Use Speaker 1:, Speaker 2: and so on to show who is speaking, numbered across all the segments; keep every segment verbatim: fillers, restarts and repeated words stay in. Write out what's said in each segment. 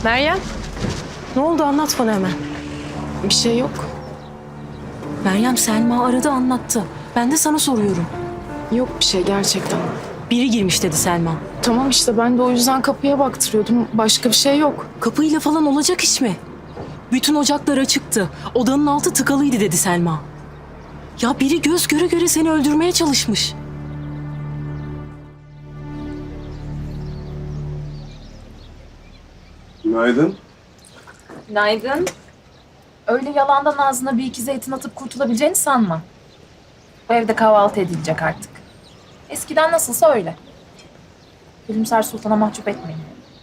Speaker 1: Meryem, ne oldu anlat bana hemen.
Speaker 2: Bir şey yok.
Speaker 1: Meryem Selma aradı anlattı. Ben de sana soruyorum.
Speaker 2: Yok bir şey gerçekten.
Speaker 1: Biri girmiş dedi Selma.
Speaker 2: Tamam işte ben de o yüzden kapıya baktırıyordum. Başka bir şey yok.
Speaker 1: Kapıyla falan olacak iş mi? Bütün ocaklar açıktı. Odanın altı tıkalıydı dedi Selma. Ya biri göz göre göre seni öldürmeye çalışmış.
Speaker 3: Günaydın.
Speaker 4: Günaydın. Öyle yalandan ağzına bir iki zeytin atıp kurtulabileceğini sanma. Bu evde kahvaltı edilecek artık. Eskiden nasılsa öyle. Gülümser Sultan'a mahcup etmeyin.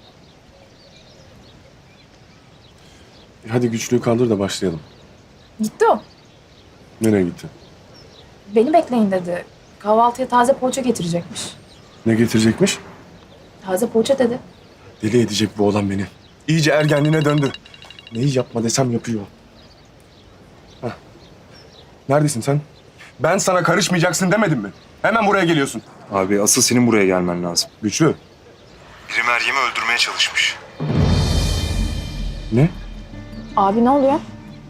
Speaker 3: Hadi güçlüğü kaldır da başlayalım.
Speaker 4: Gitti o.
Speaker 3: Nereye gitti?
Speaker 4: Beni bekleyin dedi. Kahvaltıya taze poğaça getirecekmiş.
Speaker 3: Ne getirecekmiş?
Speaker 4: Taze poğaça dedi.
Speaker 3: Deli edecek bu olan beni. İyice ergenliğine döndü. Neyi yapma desem yapıyor. Hah. Neredesin sen? Ben sana karışmayacaksın demedim mi? Hemen buraya geliyorsun.
Speaker 5: Abi asıl senin buraya gelmen lazım.
Speaker 3: Güçlü.
Speaker 5: Biri Meryem'i öldürmeye çalışmış.
Speaker 3: Ne?
Speaker 4: Abi ne oluyor?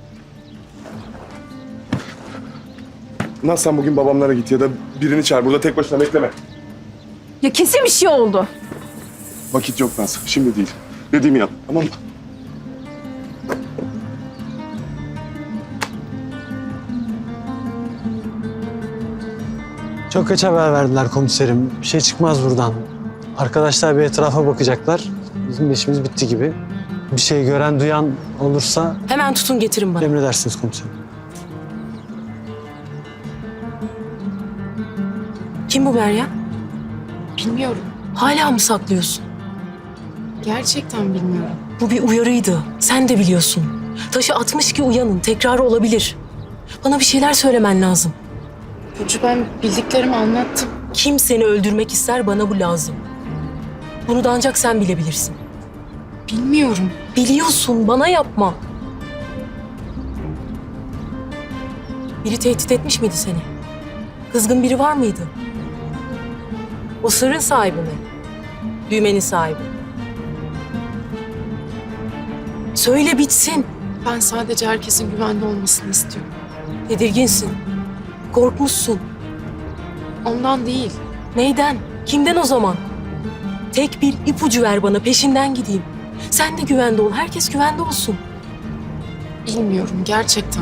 Speaker 3: Naz sen bugün babamlara git ya da birini çağır. Burada tek başına bekleme.
Speaker 4: Ya kesin bir şey oldu.
Speaker 3: Vakit yok Naz. Şimdi değil. Dediğimi yap. Tamam mı?
Speaker 6: Çok geç haber verdiler komiserim. Bir şey çıkmaz buradan. Arkadaşlar bir etrafa bakacaklar. Bizim de işimiz bitti gibi. Bir şey gören, duyan olursa
Speaker 1: Hemen tutun getirin bana.
Speaker 6: emredersiniz komiserim.
Speaker 1: Kim bu Meryem?
Speaker 2: Bilmiyorum.
Speaker 1: Hala mı saklıyorsun?
Speaker 2: Gerçekten bilmiyorum.
Speaker 1: Bu bir uyarıydı. Sen de biliyorsun. Taşı atmış ki uyanın. Tekrarı olabilir. Bana bir şeyler söylemen lazım.
Speaker 2: Burcu ben bildiklerimi anlattım.
Speaker 1: Kim seni öldürmek ister bana bu lazım. Bunu da ancak sen bilebilirsin.
Speaker 2: Bilmiyorum.
Speaker 1: Biliyorsun bana yapma. Biri tehdit etmiş miydi seni? Kızgın biri var mıydı? O sırrın sahibi mi? Düğmenin sahibi. Söyle bitsin.
Speaker 2: Ben sadece herkesin güvende olmasını istiyorum.
Speaker 1: Tedirginsin. Korkmuşsun.
Speaker 2: Ondan değil.
Speaker 1: Neyden? Kimden o zaman? Tek bir ipucu ver bana, peşinden gideyim. Sen de güvende ol, herkes güvende olsun.
Speaker 2: Bilmiyorum gerçekten.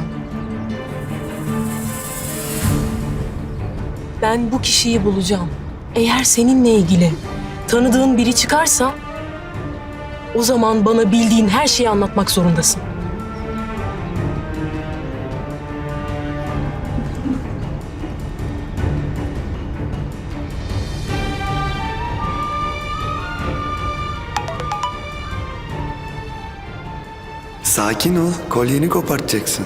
Speaker 1: Ben bu kişiyi bulacağım. Eğer seninle ilgili tanıdığın biri çıkarsa... o zaman bana bildiğin her şeyi anlatmak zorundasın.
Speaker 7: Sakin ol, kolyeni kopartacaksın.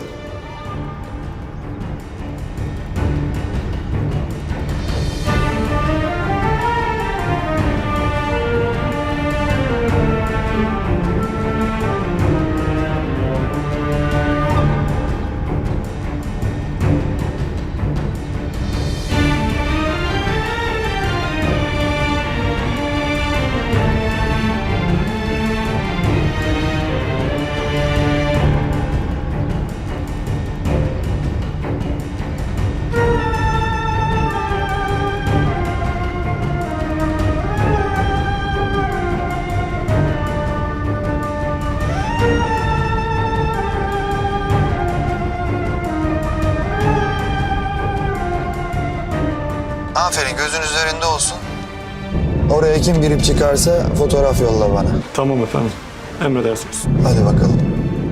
Speaker 8: Aferin, gözün üzerinde olsun. Oraya kim girip çıkarsa fotoğraf yolla bana.
Speaker 6: Tamam efendim. Emredersiniz.
Speaker 8: Hadi bakalım.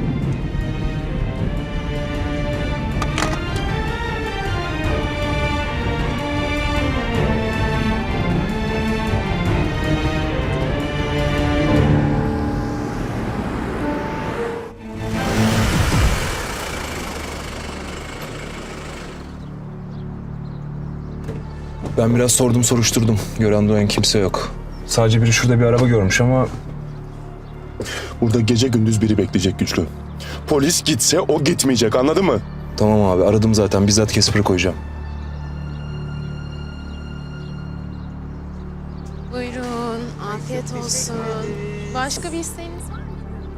Speaker 5: Ben biraz sordum soruşturdum. Gören duyan kimse yok. Sadece biri şurada bir araba görmüş ama...
Speaker 3: Burada gece gündüz biri bekleyecek Güçlü. Polis gitse o gitmeyecek, anladın mı?
Speaker 5: Tamam abi, aradım zaten. Bizzat Casper'ı koyacağım.
Speaker 9: Buyurun, afiyet olsun. Başka bir isteğiniz var mı?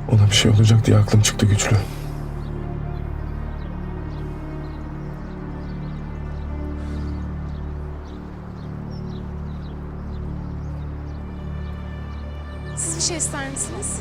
Speaker 3: Ona bir şey olacak diye aklım çıktı güçlü.
Speaker 2: Siz bir şey ister misiniz?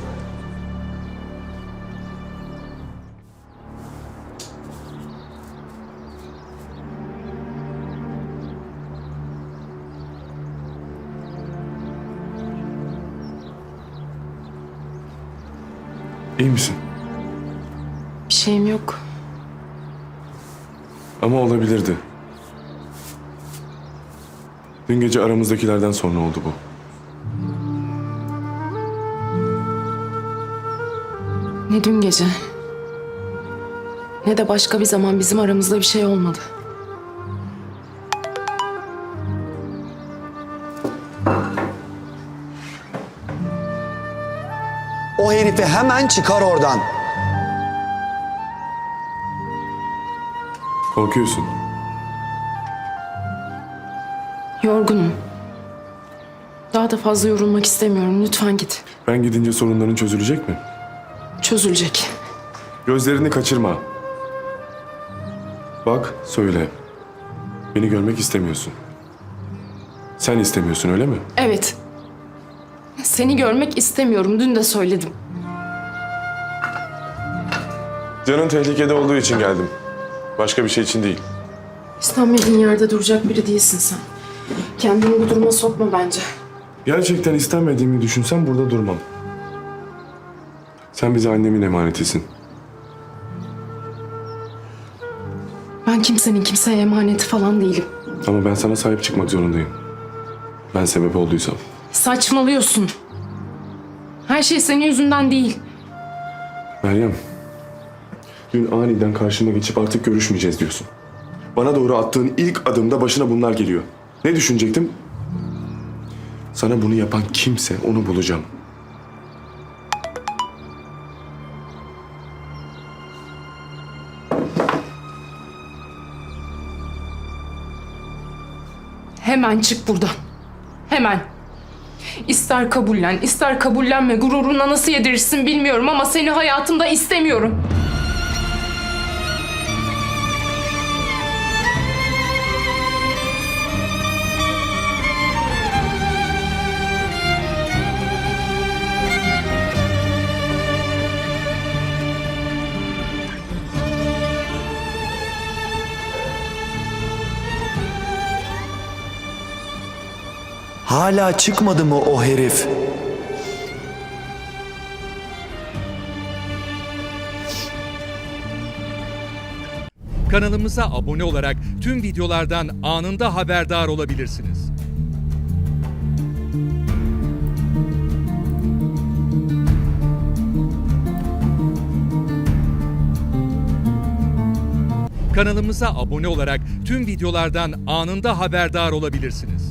Speaker 3: İyi misin?
Speaker 2: Bir şeyim yok.
Speaker 3: Ama olabilirdi. Dün gece aramızdakilerden sonra oldu bu.
Speaker 2: Ne dün gece, ne de başka bir zaman bizim aramızda bir şey olmadı.
Speaker 8: O herifi hemen çıkar oradan.
Speaker 3: Korkuyorsun.
Speaker 2: Yorgunum. Daha da fazla yorulmak istemiyorum. Lütfen git.
Speaker 3: Ben gidince sorunların çözülecek mi?
Speaker 2: Çözülecek.
Speaker 3: Gözlerini kaçırma. Bak, söyle. Beni görmek istemiyorsun. Sen istemiyorsun, öyle mi?
Speaker 2: Evet. Seni görmek istemiyorum. Dün de söyledim.
Speaker 3: Canın tehlikede olduğu için geldim. Başka bir şey için değil.
Speaker 2: İstenmediğin yerde duracak biri değilsin sen. Kendini bu duruma sokma bence.
Speaker 3: Gerçekten istenmediğimi düşünsem burada durmam. Sen bize annemin emanetisin.
Speaker 2: Ben kimsenin kimseye emaneti falan değilim.
Speaker 3: Ama ben sana sahip çıkmak zorundayım. Ben sebep olduysam.
Speaker 2: Saçmalıyorsun. Her şey senin yüzünden değil.
Speaker 3: Meryem, dün aniden karşıma geçip artık görüşmeyeceğiz diyorsun. Bana doğru attığın ilk adımda başına bunlar geliyor. Ne düşünecektim? Sana bunu yapan kimse onu bulacağım.
Speaker 2: Hemen çık buradan. Hemen. İster kabullen, ister kabullenme. Gururuna nasıl yedirirsin bilmiyorum ama seni hayatımda istemiyorum.
Speaker 8: Hala çıkmadı mı o herif?
Speaker 9: Kanalımıza abone olarak tüm videolardan anında haberdar olabilirsiniz. Kanalımıza abone olarak tüm videolardan anında haberdar olabilirsiniz.